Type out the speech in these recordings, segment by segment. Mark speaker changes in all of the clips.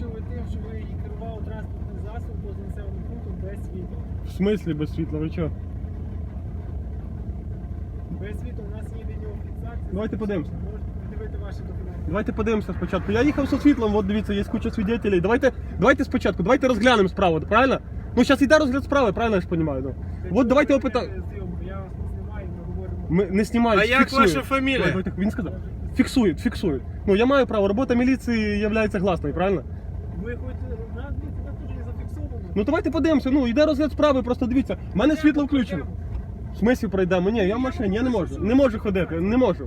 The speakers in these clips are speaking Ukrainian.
Speaker 1: ви тим, що ви керували транспортним засобом поза населеним пунктом без світла.
Speaker 2: В смислі без світла, ви чого?
Speaker 1: Без світла у нас є відеофіксація.
Speaker 2: Давайте подивимося.
Speaker 1: Можете подивити ваші документи.
Speaker 2: Давайте подивимося спочатку. Я їхав зі світлом, от дивіться, є куча свідетелей. Давайте спочатку, давайте розглянемо справу, правильно? Ну, зараз йде розгляд справи, правильно я ж розумію? Ну. От давайте опитаємо.
Speaker 1: Я вас не знімаю, ми говоримо.
Speaker 2: Ми не знімаємо,
Speaker 3: А як
Speaker 2: фіксуємо.
Speaker 3: ваша фамілія?
Speaker 2: Давайте, він сказав. Фіксують. Ну, я маю право, робота міліції є гласною, правильно?
Speaker 1: Ви хоч нас теж не зафіксовано.
Speaker 2: Ну, давайте подивимося, ну, йде розгляд справи, просто дивіться. В мене світло включено. В смислі пройдемо? Ні, я в машині, я не можу. Не можу ходити, не можу.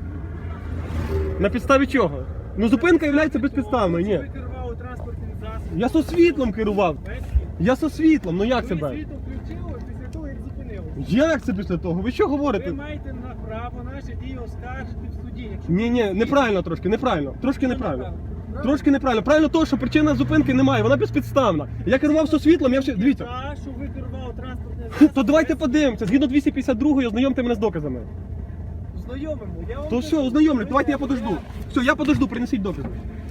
Speaker 2: На підставі чого? Ну, зупинка є безпідставною, ні.
Speaker 1: Ви керували транспортним засобом.
Speaker 2: Я со світлом керував.
Speaker 1: Без світла.
Speaker 2: Я со світлом, ну як це
Speaker 1: Ви
Speaker 2: без?
Speaker 1: світло включили після того, як зупинилися.
Speaker 2: Як це після того? Ви що
Speaker 1: Ви
Speaker 2: говорите?
Speaker 1: маєте на право наші дії оскаржити в суді. Якщо
Speaker 2: Ні, неправильно трошки, неправильно. Трошки неправильно.
Speaker 1: Правильно?
Speaker 2: Трошки неправильно. Правильно того, що причина зупинки немає, вона безпідставна. Я керував со світлом, я вже... Дивіться.
Speaker 1: Та, що ви керували транспортним засобом.
Speaker 2: То давайте
Speaker 1: без
Speaker 2: подивимося. Згідно 252 ознайомте мене з доказами.
Speaker 1: світла. Знайомимо. Я вам
Speaker 2: То
Speaker 1: кажу,
Speaker 2: все, ознайомлю,
Speaker 1: ви
Speaker 2: давайте я
Speaker 1: не
Speaker 2: подожду. Все, я подожду, принесіть докази.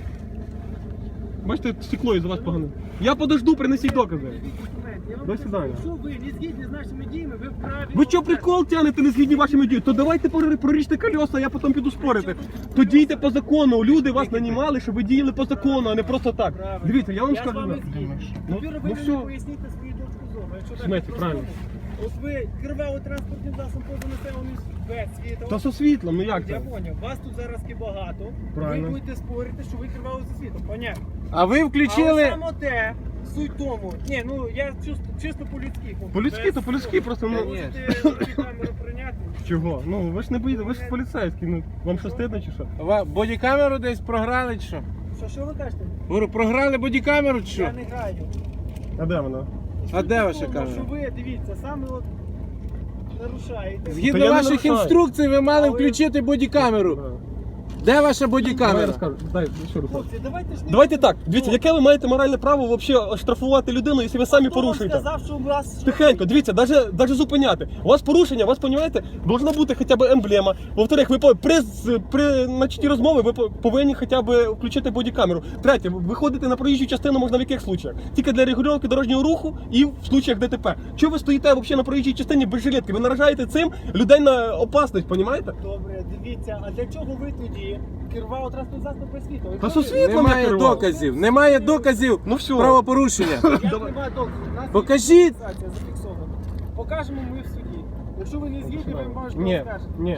Speaker 2: Бачите, стекло із-за вас погано. Я подожду, принесіть докази.
Speaker 1: Я вам
Speaker 2: До
Speaker 1: кажу,
Speaker 2: свидання.
Speaker 1: Якщо ви не згідні з нашими діями, ви вправі.
Speaker 2: Ви що прикол тянете, не згідні вашими діями? То давайте проріжте колеса, я потім піду спорити. То дійте по закону. Люди вас нанімали, щоб ви діяли по закону, а не просто так.
Speaker 1: Правильно.
Speaker 2: Дивіться, я вам
Speaker 1: Я з
Speaker 2: скажу.
Speaker 1: вами
Speaker 2: да.
Speaker 1: згідний.
Speaker 2: Ну,
Speaker 1: Тепер
Speaker 2: ну
Speaker 1: ви
Speaker 2: все.
Speaker 1: мені поясніть свою точку зору. Якщо так
Speaker 2: Смисл,
Speaker 1: по-простому.
Speaker 2: правильно.
Speaker 1: От ви керували транспортним засобом поза населеним без світла.
Speaker 2: Та со світлом, ну як
Speaker 1: Я
Speaker 2: це?
Speaker 1: поняв, вас тут зараз багато.
Speaker 2: Правильно.
Speaker 1: Ви будете спорити, що ви керували за світом. Понятно.
Speaker 3: А ви
Speaker 1: Але
Speaker 3: включили.
Speaker 1: саме те, суть тому. Ні, ну я чисто по-людськи.
Speaker 2: По-людськи, то по-людськи, просто, ну...
Speaker 1: Ви можете руки камеру прийняти.
Speaker 2: Чого? Ну ви ж не боїте, ви ж поліцейські, ну вам що стидно чи що?
Speaker 3: Бодікамеру десь програли чи що?
Speaker 1: Що ви кажете?
Speaker 3: Говорю, програли бодікамеру чи що?
Speaker 1: Я не граю.
Speaker 2: А де вона?
Speaker 3: А де ваша
Speaker 1: Тому
Speaker 3: камера?
Speaker 1: Що ви, дивіться, саме от нарушаєте.
Speaker 2: Та
Speaker 3: Згідно
Speaker 2: я не
Speaker 3: ваших
Speaker 2: нарушаю.
Speaker 3: інструкцій ви мали
Speaker 1: Але-
Speaker 3: включити бодікамеру. Де ваша
Speaker 2: Давай
Speaker 3: бодікамера?
Speaker 2: розкажу. Дай, що розкажу.
Speaker 1: Хлопці, давайте ж не...
Speaker 2: Давайте так, дивіться, яке ви маєте моральне право взагалі штрафувати людину, якщо ви самі
Speaker 1: Хто вам
Speaker 2: порушуєте?
Speaker 1: сказав, що у вас...
Speaker 2: Тихенько, дивіться, навіть зупиняти. У вас порушення, у вас, розумієте, должна бути хоча б емблема. Во-вторых, ви при начатті розмови ви повинні хоча б включити бодікамеру. Третє, виходити на проїжджу частину можна в яких случаях? Тільки для регулювання дорожнього руху і в случаях ДТП. Чого ви стоїте взагалі на проїжджій частині без жилетки? Ви наражаєте цим людей на опасність, розумієте?
Speaker 1: Добре, дивіться, а для чого ви тоді керували транспортним засобом без світла?
Speaker 2: Та со світлом я
Speaker 3: Немає
Speaker 2: керував.
Speaker 3: доказів. Немає доказів
Speaker 2: Ну все.
Speaker 3: правопорушення.
Speaker 1: Як немає доказу? У нас є
Speaker 3: Покажіть.
Speaker 1: фіксація зафіксована. Покажемо ми в суді. Якщо ви не згідні, ви можете
Speaker 2: Ні,
Speaker 1: оскаржити.
Speaker 2: ні.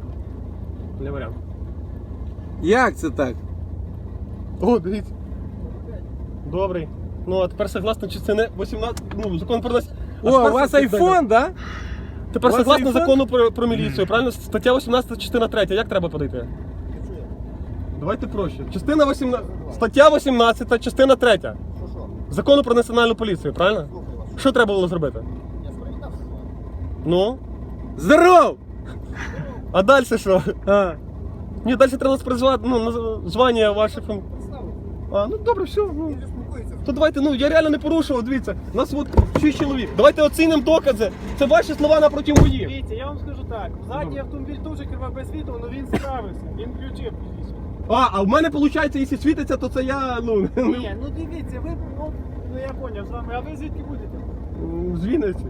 Speaker 2: Не варіант.
Speaker 3: Як це так?
Speaker 2: О, дивіться. Добрий. Ну, а тепер согласно частини 18, ну, закон про нас.
Speaker 3: О, у вас айфон, да?
Speaker 2: Тепер
Speaker 3: у вас
Speaker 2: согласно
Speaker 3: айфон?
Speaker 2: закону про міліцію, правильно? Стаття 18, частина 3. Як треба подати? Давайте проще. Частина 18, стаття 18, частина 3. Закону про національну поліцію, правильно? Що треба було зробити? Ну?
Speaker 3: Здоров!
Speaker 2: А далі що?
Speaker 3: А.
Speaker 2: Ні, далі треба призвати, ну, звання ваше. А, ну добре, все. Ну. То давайте, ну я реально не порушував, дивіться. У нас от 6 чоловік. Давайте оцінимо докази. Це ваші слова напроти мої.
Speaker 1: Дивіться, я вам скажу так. Задній автомобіль теж керував без світла, але він справився. Він включив пізніше.
Speaker 2: А в мене виходить, якщо світиться, то це я, ну,
Speaker 1: Ні, ну дивіться, ви, ну я поняв з вами, а ви звідки будете?
Speaker 2: з Вінниці.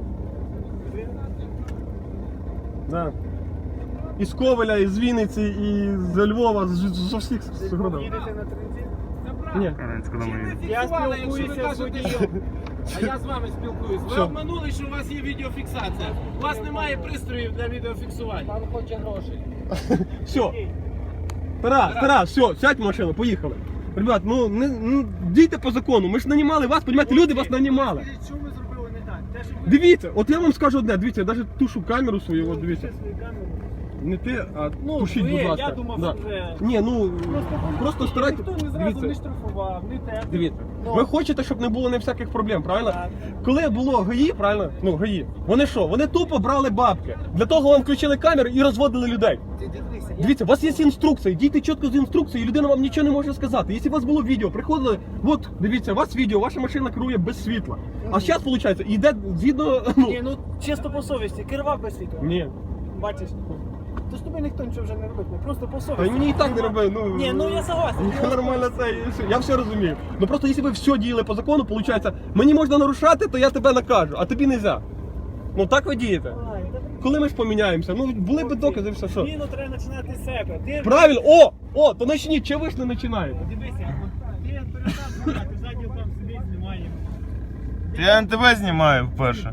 Speaker 2: Да. Із Ковеля, із Вінниці, і з Львова, з усіх городів.
Speaker 1: Їдете на транзит?
Speaker 2: Ні.
Speaker 1: Я спілкуюся з водієм.
Speaker 3: А я з вами спілкуюсь. Ви
Speaker 2: Що?
Speaker 3: обманули, що у вас є відеофіксація. У вас немає пристроїв для відеофіксування.
Speaker 1: Пан хоче грошей.
Speaker 2: Все. Тарас, все, сядь в машину, поїхали. Ребят, ну дійте по закону. Ми ж нанімали вас, розумієте, люди вас нанімали.
Speaker 1: Скажіть, що ви зробили не так? Те, що ви
Speaker 2: Дивіться, от я вам скажу одне, дивіться, я навіть тушу камеру свою, от дивіться.
Speaker 1: свою камеру.
Speaker 2: Не ти, а
Speaker 1: Ну,
Speaker 2: тушіть,
Speaker 1: ви,
Speaker 2: будь ласка.
Speaker 1: я думав,
Speaker 2: Да.
Speaker 1: що вже...
Speaker 2: Ні, ну просто старайтесь.
Speaker 1: Ніхто не зразу
Speaker 2: Дивіться.
Speaker 1: не штрафував, не те.
Speaker 2: Дивіться,
Speaker 1: Ну.
Speaker 2: ви хочете, щоб не було ні всяких проблем, правильно?
Speaker 1: Так.
Speaker 2: Коли було ГАІ, правильно? Ну, ГАІ, вони що? Вони тупо брали бабки. Для того вам включили камери і розводили людей.
Speaker 1: Ти дивися, я...
Speaker 2: Дивіться, у вас є інструкції, дійте чітко з інструкції, і людина вам нічого не може сказати. Якщо у вас було відео, приходили, от, дивіться, у вас відео, ваша машина керує без світла. А зараз, виходить, йде згідно, ну...
Speaker 1: Ні, ну чисто по совісті, керував без світла.
Speaker 2: Ні.
Speaker 1: Бачиш? То ж тобі ніхто нічого вже не робить, просто по
Speaker 2: Та й
Speaker 1: совісті.
Speaker 2: мені і так не робив, ну...
Speaker 1: Ні, ну я согласен.
Speaker 2: Я нормально це, я все розумію. Ну просто якщо ви все діяли по закону, виходить, мені можна нарушати, то я тебе накажу, а тобі не можна. Ну так ви дієте.
Speaker 1: Ай, та
Speaker 2: Коли ми ж поміняємося? Ну були б докази, все що.
Speaker 1: Зміну треба починати з себе. Ти
Speaker 2: Правильно, о, то почніть, чи ви ж не починаєте?
Speaker 1: дивися, ти перестав знімати, ззаді там собі знімаємо.
Speaker 4: Я на тебе знімаю вперше.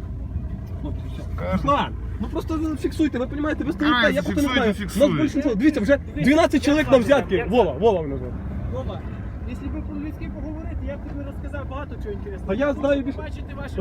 Speaker 2: Руслан, ну просто фіксуйте, ви розумієте, ви стоїте,
Speaker 4: Правильно,
Speaker 2: я просто не
Speaker 4: фіксуйте,
Speaker 2: знаю.
Speaker 4: фіксуйте.
Speaker 2: Нас більшинство, дивіться, вже 12 чоловік на взятки. Вова мене звати.
Speaker 1: Вова, якщо б по-людськи поговорити, я б тобі розказав багато чого інтересного.
Speaker 2: Та я знаю більше.
Speaker 3: Бачите ваші